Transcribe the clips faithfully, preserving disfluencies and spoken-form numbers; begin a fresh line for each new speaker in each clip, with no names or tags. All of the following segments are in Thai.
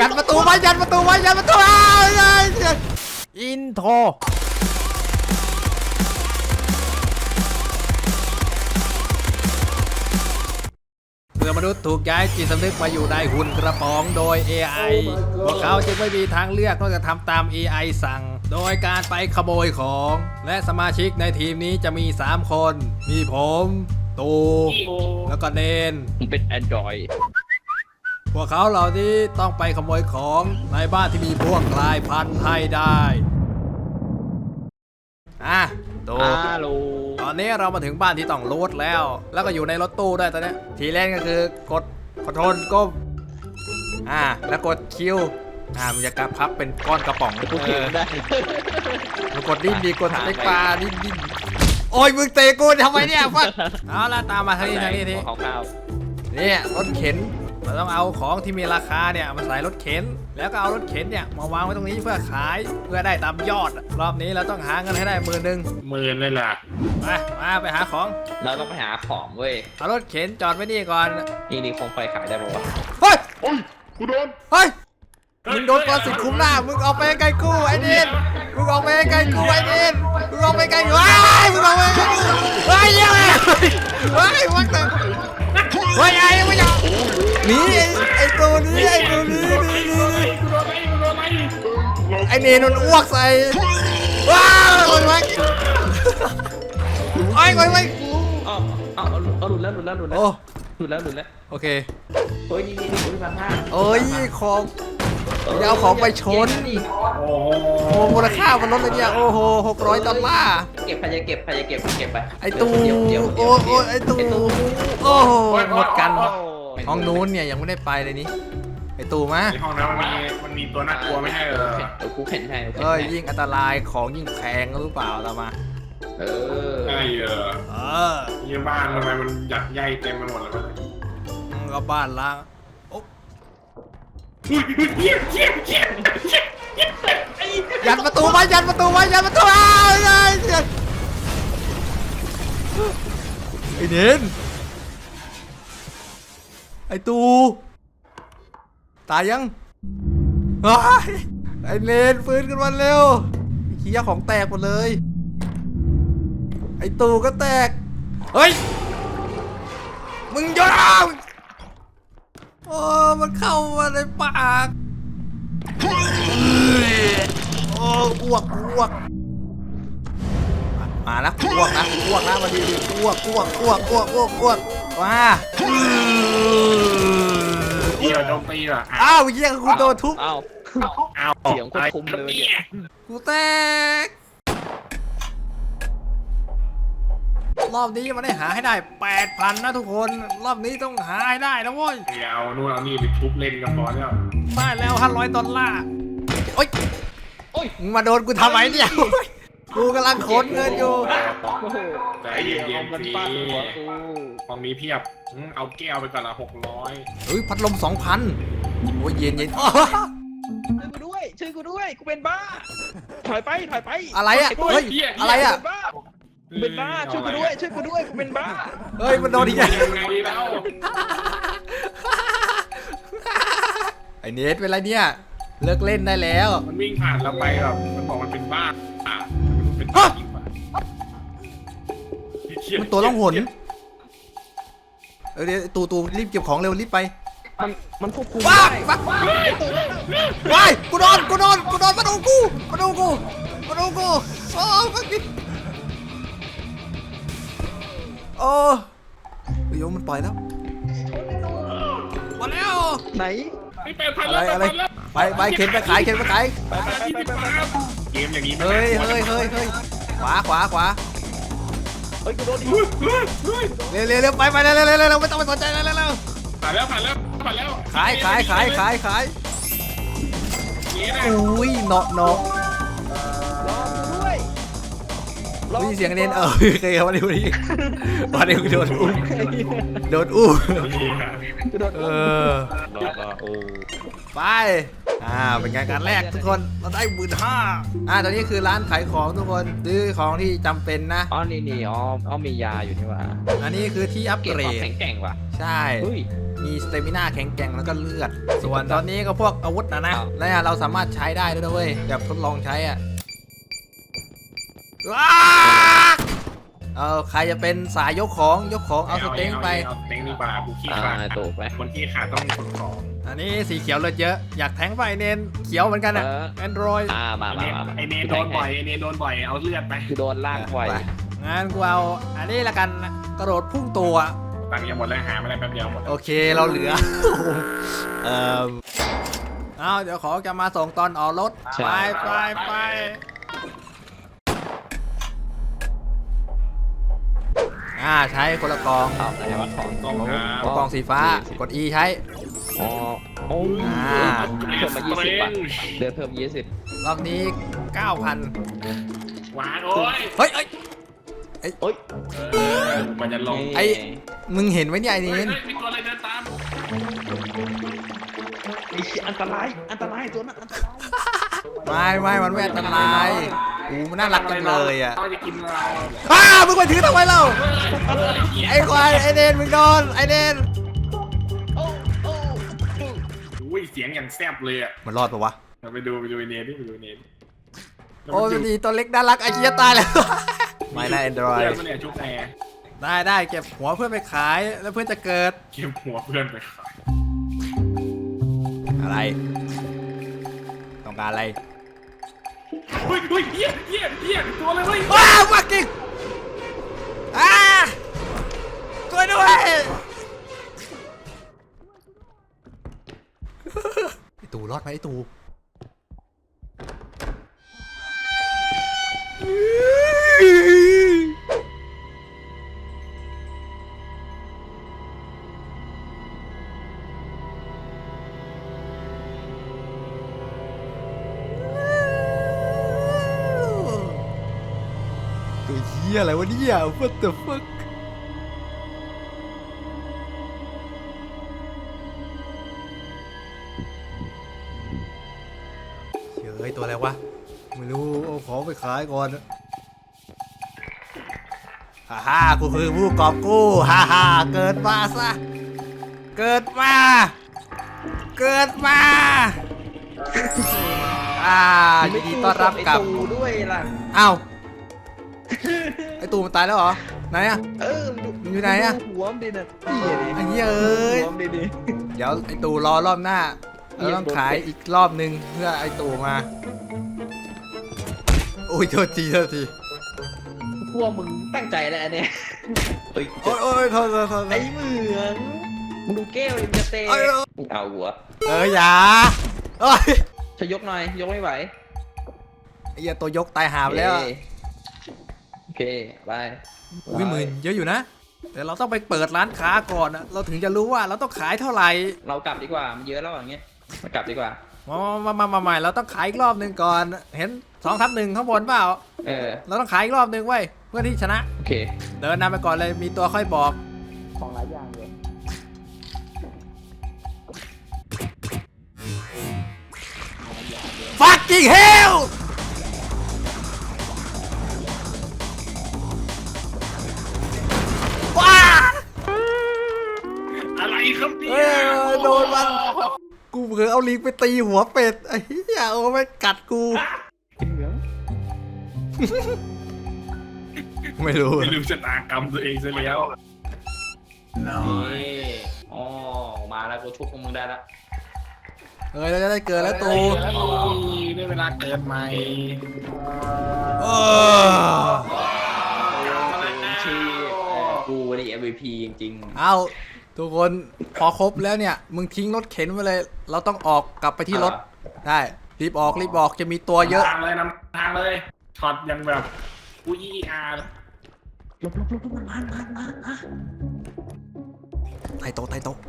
ยันประตูไว้ยันประตูไว้ยันประตูอ้าวอินโทรเมื่อมนุษย์ถูกย้ายจิตสำนึกมาอยู่ในหุ่นกระป๋องโดย เอ ไอ พวกเขาจึงไม่มีทางเลือกนอกจากทำตาม เอ ไอ สั่งโดยการไปขโมยของและสมาชิกในทีมนี้จะมีสามคนมีผมตูแล้วก็เนน
เป็น Android
พวกเขาเหล่านี้ต้องไปขโมยของในบ้านที่มีพวกกลายพันธุ์ให้ได้อ่ะตู
ฮัลโหล
ตอนนี้เรามาถึงบ้านที่ต้องโหลดแล้วแล้วก็อยู่ในรถตู้ด้วยตอนนี้ทีแรกก็คือกดคอนโทรลก้มอ่าแล้วกดคิวอ่ามันจะกระพับเป็นก้อนกระป๋อง
กูเขียนได้
มันกดดิ้นดีกดสเต็กปลาดิ้นดิ้นโอ้ยมึงเตะกูทำไมเนี่ยฟัดเอาละตามมาทางนี้ทางนี้ที
ข้าว
เนี่ยรถเข็นเราต้องเอาของที่มีราคาเนี่ยมาใส่รถเข็นแล้วก็เอารถเข็นเนี่ยมาวางไว้ตรงนี้เพื่อขายเพื่อได้ตามยอดรอบนี้เราต้องหาเงินให้ได้หมื่นหนึ่ง
หมื่นเลยล่ะ
ไปมาไปหาของ
เราต้องไปหาของเว้ย
เอารถเข็นจอดไว้นี่ก่อน
นี่นี่คงไฟขายได้ป่าวะ
เฮ้ย
โอ้ยกูโดน
เฮ้ยมึงโดนปรสิตคุ้มหน้ามึงออกไปไกลกูไอ้เดนมึงออกไปไกลกูไอ้เดนมึงออกไปไกลกูไอ้มึงออกไปไกลกูเฮ้ยยังไงเฮ้ยวัดเลยเฮ้ยไอ้ไม่ยอมหนีไอ้ตัวนี้ไอ้ตัวนี้นี่นี่นี่ไอ้เนนมันอ้วกใส่ว้าวคนไว้ไอ้คนไว้
อ๋อเอาเอาหลุดแล้วหลุดแล้วหลุดแล้ว
โอ้
หลุดแล้วหลุดแล้ว
โอเค
เฮ้ยนี่นี่นี่คุณพันห้า
เอ้ยของอย่าเอาของไปชน
โอ้โห
โอ้มูลค่ามันลดเลยเนี่ยโอ้โหหกร้อยดอลลาร์
เก็บใครจะเก็บใครจะเก็บเก็บไป
ไอตู
เดี๋ยวเดี๋ยว
โอ้โอ้ไอตูโอ้โหหมดกัน
โอ้
ห้องนู้นเนี่ยยังไม่ได้ไปเลยนี่ไอตูมา
ในห้องนั้นมันมีมันมีตัวน่ากลัวไม่ใช่เหรอ
เดี๋ยวกูเข็นให้เดี๋ยวกู
เอ้
เข็
ย
นให้
ยิ่งอันตรายของยิ่งแพงหรือเปล่าตามมา
เออ
ใช่เหรอ
เออ
ยี่บ้านทำไมมันหยักใยเต็มไปหมดเลยวะ
ก็บ้านล้างโอ้
อุ้ยอุ้ยเจี๊ยบเจี๊ยบเจี๊ยบเจี๊ยบเจี๊ยบไอ้
ยันประตูไว้ยันประตูไว้ยันประตูอ้าวไอ้ไอ้เน้นไอตูตายยังว้ายไอเนนฟื้นขึ้นมาเร็วเขี้ยของแตกหมดเลยไอตูก็แตกเฮ้ยมึงยาวโอ้มันเข้ามาในปากโอ้อ้วกอ้วกมาแล้วอ้วกนะอ้วกนะมาดีดีอ้วกอ้วกอ้วกอ้วกอ้วกอ้วกมา
เจี๊ยบโจมตีเหรอ
อ้าวเยี่ยกูโดนทุบ
เอ้า
อ้าว
เสียงควบคุมเลยเนี่ย
กูแตกรอบนี้มันได้หาให้ได้ แปดพัน นะทุกคนรอบนี้ต้องหาให้ได้นะเว้ย
เดี๋ยวเอานู่นเอานี่ไปทุบเล่นกันพอแล้ว
ได้แล้วห้าร้อยดอลลาร์โอ๊ย
โอ้ย
มึงมาโดนกูทำไมเนี่ยกูกำลังขนเงินอยู่
โอ้โห
ใจเย็น
มัน
ๆสิ
ฟาดหัวกู
ห้องนี้เพียบอืมเอาแก้วไปก่อนละหกร้อย
เฮ้ยพัดลม สองพัน โอ้ยเย็นเย็นอ้อ
ช่วยกูด้วยช่วยกูด้วยกูเป็นบ้าถอยไปถอยไป
อะไรอ่ะเฮ้ยอะไรอ่ะ
เป็นบ้ากูเป็นบ้าช่วยกูด้วยช่วยกูด้วยกูเป็นบ้า
เฮ้ยมันโดนอีกแล้ว
ยังไงแล้ว
ไอเนทเป็นไรเนี่ยเลิกเล่นได้แล้ว
มันวิ่งผ่านเราไปแบบมันบอกมันเป็นบ้าอ่ะมันเป็นบ้าจริงป่ะ
มันตัวล่องหนเออเดี๋ยวตูตูรีบเก็บของเร็วรีบไป
มันมันควบคุม
ว้า
ได้
ว้าว้ายกูโดนกูโดนกูโดนมาดูกูมาดูกูมาดูกูโอ้ฟักกินโอ้ยโยมมันปล่อยแล้วมาแล้ว
ไหน
ไม่เป็นพัน
อะไร
แล้ว
อะไร
พันแล้ว
ไปไปเข็นไปขายเข็นไปขาย
ไปไปไปไปไป
เกมอย่างนี้
เฮ้ยเฮ้ยเฮ้ยเฮ้ยขวาขวาขวา
เฮ้ยกูโดนดิ
เฮ้ยเฮ้ยเฮ้ย
เร็วเร็วเร็วไปไปเร็วเร็วเร็วเร็วไม่ต้องไปสนใจเร็วเร็วเร็ว
ผ่านแล้วผ่านแล้วผ่านแล้ว
ขายขายขายขายขาย
เงี้ยนะ
อุ้ยเนาะเนาะ
รอกูด้วย
ได้ยินเสียงเน้นเออเคยมาดิวันนี้วันนี้โดนอุ้มโดนอุ้ม
กูโดน
เอ
อุ้ม
อ
รอดรอดโอ้
ไปอ่าเป็นการการแรกทุกคนเราได้หมื่นห้าอ่าตอนนี้คือร้านขายของทุกคนซื้อของที่จำเป็นนะ
อ๋อนี่นี่อ๋ออ๋อมียาอยู่นี่หว่า
อันนี้คือที่อัป
เก็บ
เกร
ความ
ด
แข็งแกร่งว่ะ
ใช่
เฮ้ย
มีสเตมิน่าแข็งแกร่งแล้วก็เลือด ส่วนตอนนี้ก็พวกอาวุธนะนะ
อ้าว
แล้วเราสามารถใช้ได้ด้วยนะเว้ยแบบทดลองใช้อ่ะว้าเออใครจะเป็นสายยกของยกของเอาสเต็งไป
เอาสเต็งดีกว่ากูขี้
อ่า
ขาด
ถูกไป
คนขี้ขาดต้องคนของ
อันนี้สีเขียวเลือดเยอะอยากแทงไปเนนเขียวเหมือนกันอ่ะ
เออ
แอนดรอย
อ่ามา
ไอ
มา
เนน
มา
ไอเนนโดนบ่อยไอเนนโดนบ่อยเอาเลือดไป
คือโดนลากบ่อย
งั้นกูเอาอันนี้ละกันกระโดดพุ่งตัว
ตังค์ยังหมดแล้วหามาได้แป๊บเดียวหมด
โอเคเราเหลือ เออเอาเดี๋ยวขอจะมาส่งตอนออกรถ
ใช่
ไปไปไปอ่าใช้คนละกอง
เอาไหนวะของ
กองครั
เอากองสีฟ้ากด E ใช้
อ๋อโอ้
อ่า
เพิ่มมายี่สิบบาทเดือนเพิ่มยี่สิบ
รอบนี้ เก้าพัน
หวานโอ้ย
เฮ้ยเอ้ย
โอ้ย
เออมันจะลง
ไอ้ มึงเห็นไหมเนี่ยไอ้
เฮ้
นี่
ยเฮ้ยมีตัวอะไรเดินตาม
ไอ้เหี้ยอันตรายอันตรายตัวนั้นอันตราย
ไม่ไม่มันไม่อันตรายอูมันน่ารักจังเลยอ่ะ
เขาจะกินเรา
อ้ามึงไปถือทำไมเล่าไอ้ควายไอ้เนนมึงโดนไอ้เนน
โอ้โอ้
อุ้ยเสียงอย่างแซ่บเลยอ่ะ
มันรอดปะวะ
ไปดูไปดูไอเนนดิไปดูไอเนน
โอ้ยดีตัวเล็กน่ารักไอ้เหี้ยตายแล้ว ไม่น่าแอนดรอย
เพื่อนมันเนี่ยชุบแอร์
ได้ได้เก็บหัวเพื่อนไปขายแล้วเพื่อนจะเกิด
เก็บหัวเพื่อนไปขาย
อะไร ต้องการอะไร
เฮ้ยเฮ้ยเหี้ยเหี้ยเหี้ยตัวอะไรเฮ้ย
ว้าวมากิงอ่าช่วยด้วยไอตูรอดไหมไอตูตัวเหี้ยอะไรวะเนี่ย what the fuck เฮ้ยตัวอะไรวะไม่รู้เอาของไปขายก่อนฮ่าฮ่ากูคือผู้กอบกู้ฮ่าฮ่าเกิดมาซะเกิดมาเกิดมาอ่ายินดีต้อนรับกลับ
ไอ้ตูด้วยล่ะ
อ้าวไอตูมันตายแล้วเหรอไหนอะ
เออ
มันอยู่ไหนอะ
หัวมันดิน่ะนี่ดิ
ไอ้เหี้ยเอ้ย
หัวมันดิดิ
เดี๋ยวไอตูรอรอบหน้าเราต้องขายอีกรอบนึงเพื่อไอตูมาโอ้ยโทษทีโทษที
พวกมึงตั้งใจแล้วเนี่ยเฮ้ย
โอ้ยโอ้ยโทษโทษโทษ
ไอ้เหมืองมึงดูแก้วดิมันจะเตะ
เอ้ย
มึงเอาหัว
เอออย่าโอ้ย
ช่วยยกหน่อยยกไม่ไหว
ไอ้เหี้ยตัวยกตายหาไปแล้วอะ
โอเคไป
วิหมื่นเยอะอยู่นะแต่เราต้องไปเปิดร้านค้าก่อนอะเราถึงจะรู้ว่าเราต้องขายเท่าไหร่
เรากลับดีกว่ามันเยอะแล้วอย่างเงี้ยมากลับดีกว่า
มามามามาใหม่เราต้องขายอีกรอบหนึ่งก่อนเห็นสองทับหนึ่งข้างบนเปล่า
เออ
เราต้องขายอีกรอบหนึ่งไว้ยเพื่อที่ชนะ
โอเค
เดินนำไปก่อนเลยมีตัวค่อยบอก
ของหลายอย่างเลย
fucking hell ว้า
อะไรครับเนี่
เอ้
ย
ยโดนมันกูเผลอเอาลิงไปตีหัวเป็ดไอ้เหี้ยโอ้ไม่กัดกู
เหลือง
ไม่รู้
ไม่รู้ชะตากรรมตัวเองซะแล้ว
นี่อ๋อมาแล้วกูชุบพวกมึงได้ละ
เอ้ยเราจะได้เกิดแล้วตู
ได้เวลาเกิดใหม่
เออ
ชีกูนี่ เอ็ม วี พี จริง
เอาทุกคนพอครบแล้วเนี่ยมึงทิ้งรถเข็นไปเลย เราต้องออกกลับไปที่รถได้รีบออกรีบออกจะมีตัวเยอะ
ทางเลยนำทางเลยช็อตยังแบบอุ้ยอีอาร์
ๆลบลบลบมันมามามามา
ไทโตะไทโตะ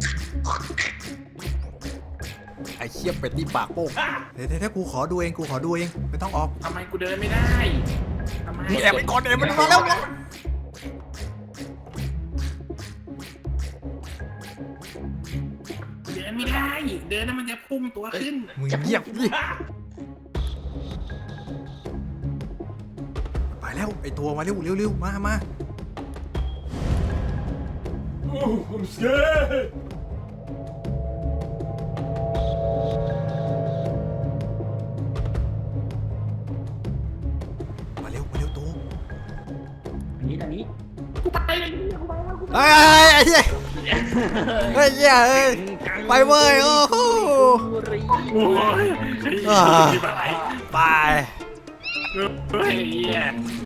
ไอ้เชี่ยเป็ดที่ปากโป้งเดี๋ยวเดี๋ยวกูขอดูเองกูขอดูเองไม่ต้องออก
ทำไมกูเดินไม่ได้ทำไม
มึงแอบไปก่อนเดี๋ยวมันมาแล้ว
เดินไม่ได้เดินแล้วมันจะพุ่งตัวขึ้น
มึงเงียบดิไปแล้วไอตัวมาเร็วเร็วๆมามา
โอ้ผมเสีย
มาเร็วมาเร็วตัว
อันนี้อันนี้
กูไปเลย
เฮ้ยไอ้เหี้ยเฮ้ยเหี้ยเฮ้ยไปเว้ยโอ้โห
โอ้ย
อ่าไป
เฮ้ยเหี้ย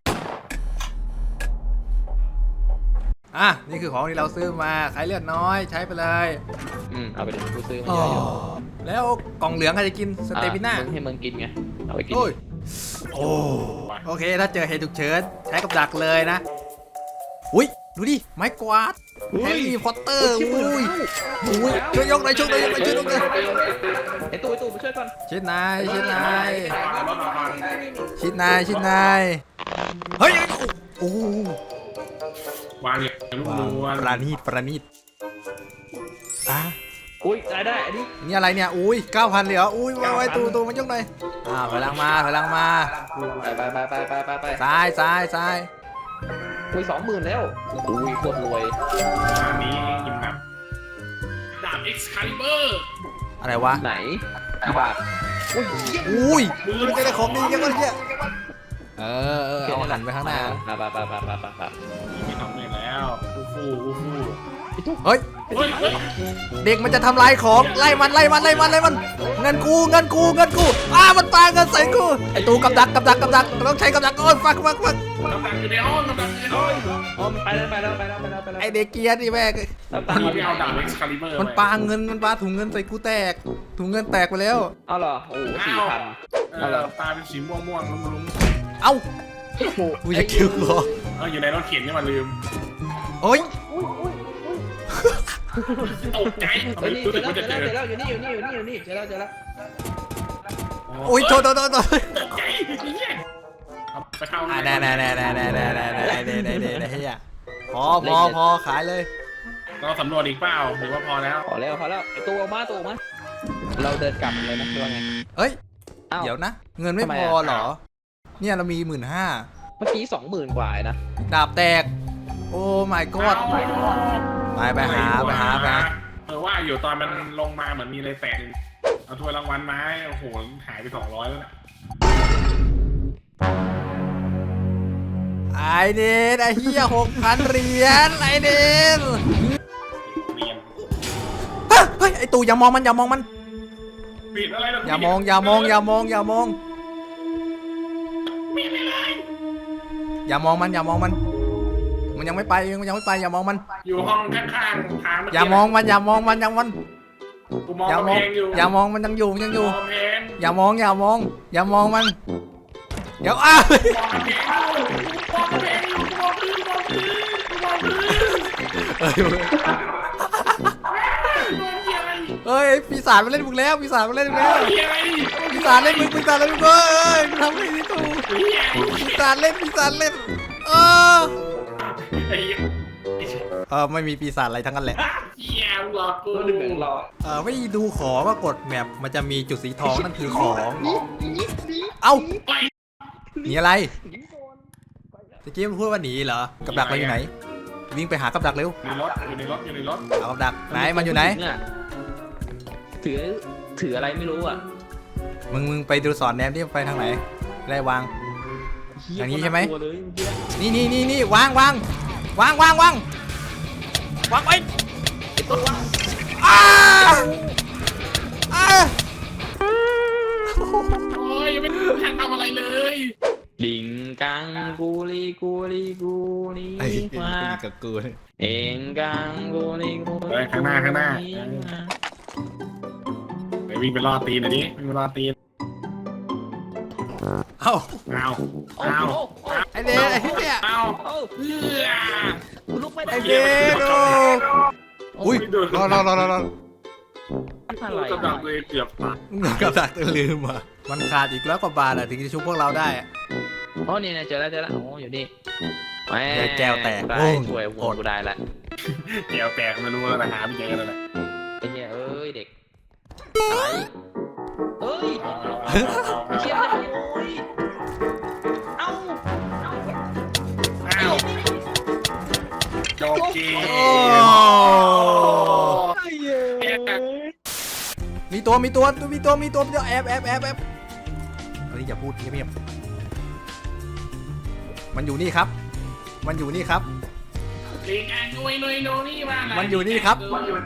อ่ะนี่คือของที่เราซื้อมาขายเลือดน้อยใช้ไปเลย
อืมเอาไปเดี๋ยวกูซื้อมา
อ๋
เย
อ
อะอยู่
แล้วกล่องเหลืองใครจะกินสเตปิน่า
อ่ะมึงให้มึงกินไงเอาไปกิน
โอ้ยโอ้โอเคถ้าเจอเหตุฉุกเฉินใช้กับดักเลยนะอุ้ยดูดิไม้กวาดแฮร์รี่พอตเตอร์อุ้ยอุ้ยช่วยยกหน่อยช่วยหน่อยช่วยหน่อยช่วยหน่อย
ไอ้ตู้ไอ้ตู้มาช่วยก่อน
ชิดนายชิดนายชิดนายชิดนายเฮ้ยโอ้โห
วางอย่างลูกนวล
ประณีตประณีตอ่ะ
อุ้ยได้ได้อันนี้
นี่อะไรเนี่ยอุ้ยเก้าพันเลยเหรออุ้ยมาไว้ตูตูมันยกหน่อยอ่าพลังมาพลังมา
ไปไปไปไปไปไปไป
ซ้ายซ้ายซ้าย
อุ้ยสองหมื่นแล้วอุ้ยโคตรรวย
อันนี้ยิมแบบดาบ Excalibur
อะไรวะ
ไหนกี่บาทอุ้ยเหี้ย
อุ้ย
มือ
มันจะได้ของดีกันวะเนี่ยเออเออเอาหันไปข้างหน้า
ไปไปไปไปไปไปไป
มีสองหมื่นแล้วฟูฟูฟูฟู
เฮ้ย
เฮ้ยเฮ้ย
เด็กมันจะทำลายของไล่มันไล่มันไล่มันไล่มันเงินกูเงินกูเงินกูอ้ามันปาเงินใส่กูไอตูกับดักกับดักกับดักต้องใช้กับดักโอ้ยฟักฟักฟัก
กำลังอยู่ในห้องกำลังอยู่ในห้อง
อ๋อมันไปแล้วไปแล้วไปแล้วไปแล้วไปแล้ว
ไอเด็กเกียร์นี่แม่ง
แล้วตังค์
นี่ไปเอาดาบ Excalibur
มันปาเงินมันปาถุงเงินใส่กูแตกถุงเงินแตกไปแล้ว
เอาเหรอโอ้โหสี่พัน
เออตาเป็นสีม่วงม่วงลุ้มลุ้ม
เอ้า
โอ้โห
กูจะคิวกู
เอออยู่ในรถเข็นนี่มาลืม
โอ้ย
ตกใจทำไม
เฮ้ยนี่
รู้
เจ
สึ
อก แล้ว
ว่า
เจ
จะ
อ
เจ
แล้ว
อ
เจอแล้วอยู่นี่อยู่นี่อยู่นี่อยู่นี่เจอแล้วเจอแล้ว
โอ้ยโทษโทษโทษโทษ
ตกใจเอาไปเข้า
อ่าแน่แน่แน่แน่แน่แน่แน่แน่แน่แน่แน่แน่แน่เฮียพอพอพอขายเลย
เราสำรวจอีกเปล่าหรือว่าพอแล้ว
พอแล้วพอแล้วไอ้ตัวออกมาตัวออกมาเราเดินกลับเลยนะคือว่าไง
เฮ้ย
อ้าว
เดี๋ยวนะ เงินไม่
ทำไม
พ
อะ
อเหรอ เนี่ยเรามีหมื่นห้า
เมื่อกี้สองหมื่นกว่านะ
ดาบแตก โอ้ my god ไปไปหาไปหาไปหา
เออว่าอยู่ตอนมันลงมาเหมือนมีอะไรแตกเอาถ้วยรางวัลมาให้โอ้โหหายไปสองร้อยแล้วนะ
ไอเดนไอเฮียหกพันเหรียญไอเดน
เรียน
เฮ้ยเฮ้ยไอตู่อย่ามองมันอย่ามองมัน
ปิดอะไรนะ
อย่ามองอย่ามองอย่ามองอย่ามอง
ปิดอะไร
อย่ามองมันอย่ามองมัน มันยังไม่ไปมันยังไม่ไปอย่ามองมัน
อยู่ห้องข้างๆทาง
อย่ามองมันอย่ามองมันอย่ามองมัน
กูมอง
อย่าม
กำ
อง
แพงอยู่
อย่ามองมันยังอยู่มันยังอยู่
มองกำแพง
อย่ามองอย่ามอง อย่ามองมันเดี๋ยวอ้าว
มองกำแพงมองกำแพงอยู่มองพื้นมองพื้นมองพื้น
เฮ้ย
มองเหี้ยอะไร
เฮ้ยปีศาจมาเล่นมึงแล้วปีศาจมาเล่นมึงแล้ว
เหี้ยอะไร
ปีศาจเล่นมึงปีศาจเล่นมึงเอ้ยมึงทำไงดีตู่
เหี้ย
ปีศาจเล่นปีศาจเล่นเออ
ไอ้เหี้ย
เออไม่มีปีศาจอะไรทั้งนั้นแหละ
เหี้ยหลอกกู
ตัวหนึ่งเหลืองรอ
เออไม่ดูขอว่ากดแมปมันจะมีจุดสีทองนั่นคือของ เอ้า
ไป
หนีอะไรตะกี้มันพูดว่าหนีเหรอกับดักเราอยู่ไหนวิ่งไปหากับดักเร็ว
ในรถอยู่ในรถอยู่ในรถ
เอากับดักไหนมันอยู่ไหน
ถือถืออะไรไม่รู้อ่ะ
มึงมึงไปดูสอนแนมที่ไปทางไหนได้วาง อย่างนี้ใช่ไหม
ตัวเลยเมื่อกี้
นี่นี่นี่นี่วางวางวางวางวางวางไปอ้าอ้า
โอ้ยยังไม่ทันทำอะไรเลย
ดิงกังกูลีกูลีกูลี
ไอ้
มา
กับกู
เองกังกูลีกู
เฮ้ยข้างหน้าข้างหน้าไปวิ่งไปล่อตีนหน่อยดิวิ่งไปล่อตีน
เอ้า
เอา
โอ้
เอา
โห
ไอเดนไอ้เนี่ย
เอา
โอ้
เอื้อ
กูลุกไม่ได้
ไอเดนโอ้อุ้ยรอรอรอรอรอ
อะไร
กำลังเลยเกือบตาย
มึงกับดักลืมอ่ะมันขาดอีกแล้วกว่าบาทอะถึงจะชุบพวกเราได้อะ
อ๋อนี่นะเจอแล้วเจอแล้วโอ้อยู่นี่แหม
แก้วแตก
ได้
โอ้ย
ช่วยหัวกูได้ละ
เกี่ยวแตกไม่รู้แล้วนะหาไม่เจอแล้วนะ
ไอ้เหี้ยเอ้ยเด็กอะไรเอ้ย
เอาเอา
เชี่ย
เอา
เลยโอ้ยเอ้าเอ้า
อ้าวโจบเก
โอ้
ม
ไอ้เหี้ย
มีตัวมีตัวมีตัวมีตัวมีตัวแอบแอบแอบแอบเฮ้ยอย่าพูดเงียบๆมันอยู่นี่ครับ มันอยู่นี่ครับ
ลิงอ่ะนุยนุยนุยนี่มาไห
มันอยู่นี่ครับ
มันอยู่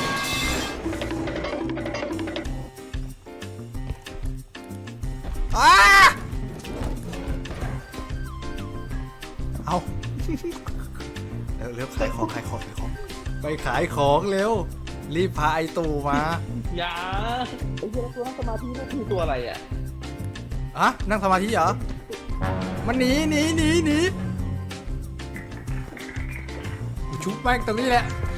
อ้าเอา เร็วเร็วขายของขายของขายของไปขายของเร็วรีบพาไอตู่มา
อย่าไอ้เหี้ยตัวนั่งสมาธินั่นคือตัวอะไรอ่ะ
อะนั่งสมาธิเหรอมันหนีหนีหนีหนีกูชุบแม่งตรงนี้แหละ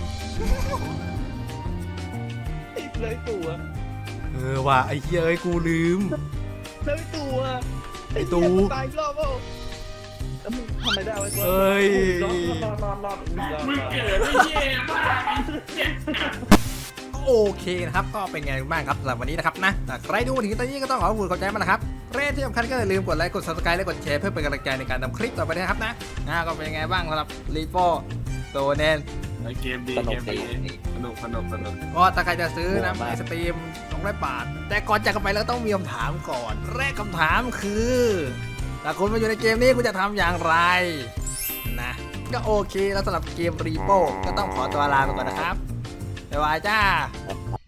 ติดเลยตัว
เออว่ะไอ้เหี้ยเอ้ยกูลืม
เลยตัว
ไอ้ตู่
เหี้ยมันตายอีกรอบเปล่าแล้วมึงทำไมได้วะตัว
เอ้ย
รอดรอดรอดรอดรอด
มึงเกิดไม่เย่มากไอ้เหี้ย
โอเคนะครับก็เป็นไงบ้างครับสำหรับวันนี้นะครับนะแต่ใครดูถึงตอนนี้ก็ต้องขอขอบคุณขอบใจมากนะครับเรทที่สำคัญก็อย่าลืมกดไลค์กด ซับสไครบ์และกดแชร์เพื่อเป็นกำลังใจในการทำคลิปต่อไปนะครับนะนะก็เป็นยังไงบ้างสำหรับรีโฟโตเนน
เกมดีเกมดีสนุกสนุกสนุก
ก็ถ้าใครจะซื้อนะในสตรีมสองร้อยบาทแต่ก่อนจากกันไปแล้วต้องมีคำถามก่อนแรกคำถามคือถ้าคุณมาอยู่ในเกมนี้คุณจะทำอย่างไรนะก็โอเคแล้วสำหรับเกมรีโฟก็ต้องขอตัวลาไปก่อนนะครับบ๊ายบายจ้า